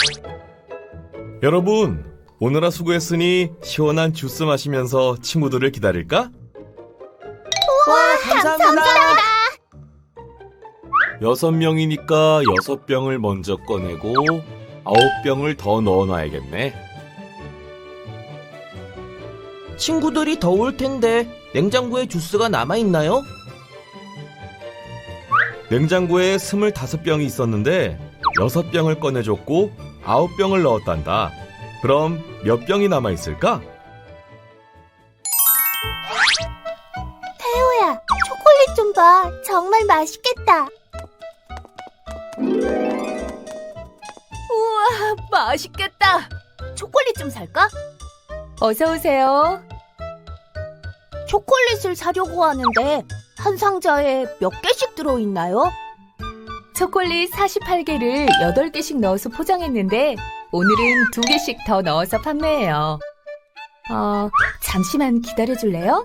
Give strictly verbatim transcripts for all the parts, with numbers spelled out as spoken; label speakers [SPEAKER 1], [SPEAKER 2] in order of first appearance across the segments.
[SPEAKER 1] 여러분, 오늘아 수고했으니 시원한 주스 마시면서 친구들을 기다릴까?
[SPEAKER 2] 와, 감사합니다.
[SPEAKER 1] 여섯 명이니까 여섯 병을 먼저 꺼내고 아홉 병을 더 넣어놔야겠네.
[SPEAKER 3] 친구들이 더울 텐데 냉장고에 주스가 남아있나요?
[SPEAKER 1] 냉장고에 스물다섯 병이 있었는데 여섯 병을 꺼내줬고 아홉 병을 넣었단다. 그럼 몇 병이 남아있을까?
[SPEAKER 2] 태호야, 초콜릿 좀 봐. 정말 맛있겠다.
[SPEAKER 4] 우와, 맛있겠다.
[SPEAKER 2] 초콜릿 좀 살까?
[SPEAKER 4] 어서 오세요.
[SPEAKER 2] 초콜릿을 사려고 하는데 한 상자에 몇 개씩 들어있나요?
[SPEAKER 4] 초콜릿 사십팔 개를 여덟 개씩 넣어서 포장했는데 오늘은 두 개씩 더 넣어서 판매해요. 어, 잠시만 기다려줄래요?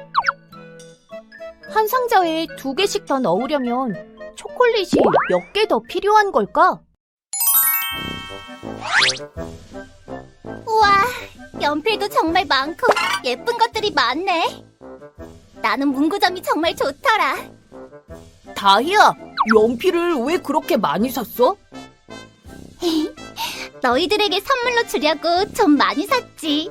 [SPEAKER 2] 한 상자에 두 개씩 더 넣으려면 초콜릿이 몇 개 더 필요한 걸까? 우와, 연필도 정말 많고 예쁜 것들이 많네. 나는 문구점이 정말 좋더라.
[SPEAKER 5] 다희야, 연필을 왜 그렇게 많이 샀어?
[SPEAKER 2] 너희들에게 선물로 주려고 좀 많이 샀지.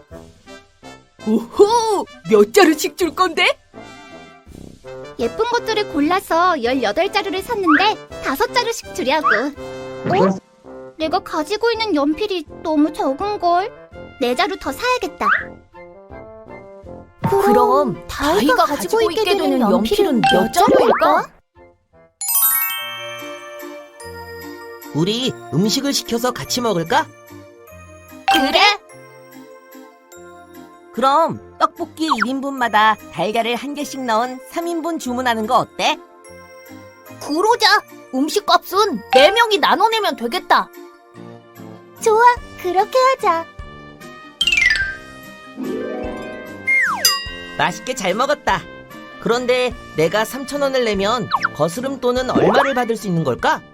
[SPEAKER 5] 오호, 몇 자루씩 줄 건데?
[SPEAKER 2] 예쁜 것들을 골라서 열여덟 자루를 샀는데 다섯 자루씩 주려고. 어? 내가 가지고 있는 연필이 너무 적은걸. 네 자루 더 사야겠다.
[SPEAKER 5] 그럼 다희가 가지고 있게 되는 연필은 몇 자루일까?
[SPEAKER 3] 우리 음식을 시켜서 같이 먹을까?
[SPEAKER 5] 그래?
[SPEAKER 3] 그럼 떡볶이 일 인분마다 달걀을 한 개씩 넣은 삼 인분 주문하는 거 어때?
[SPEAKER 5] 그러자. 음식값은 네 명이 나눠내면 되겠다.
[SPEAKER 2] 좋아, 그렇게 하자.
[SPEAKER 3] 맛있게 잘 먹었다. 그런데 내가 삼천 원을 내면 거스름 돈은 얼마를 받을 수 있는 걸까?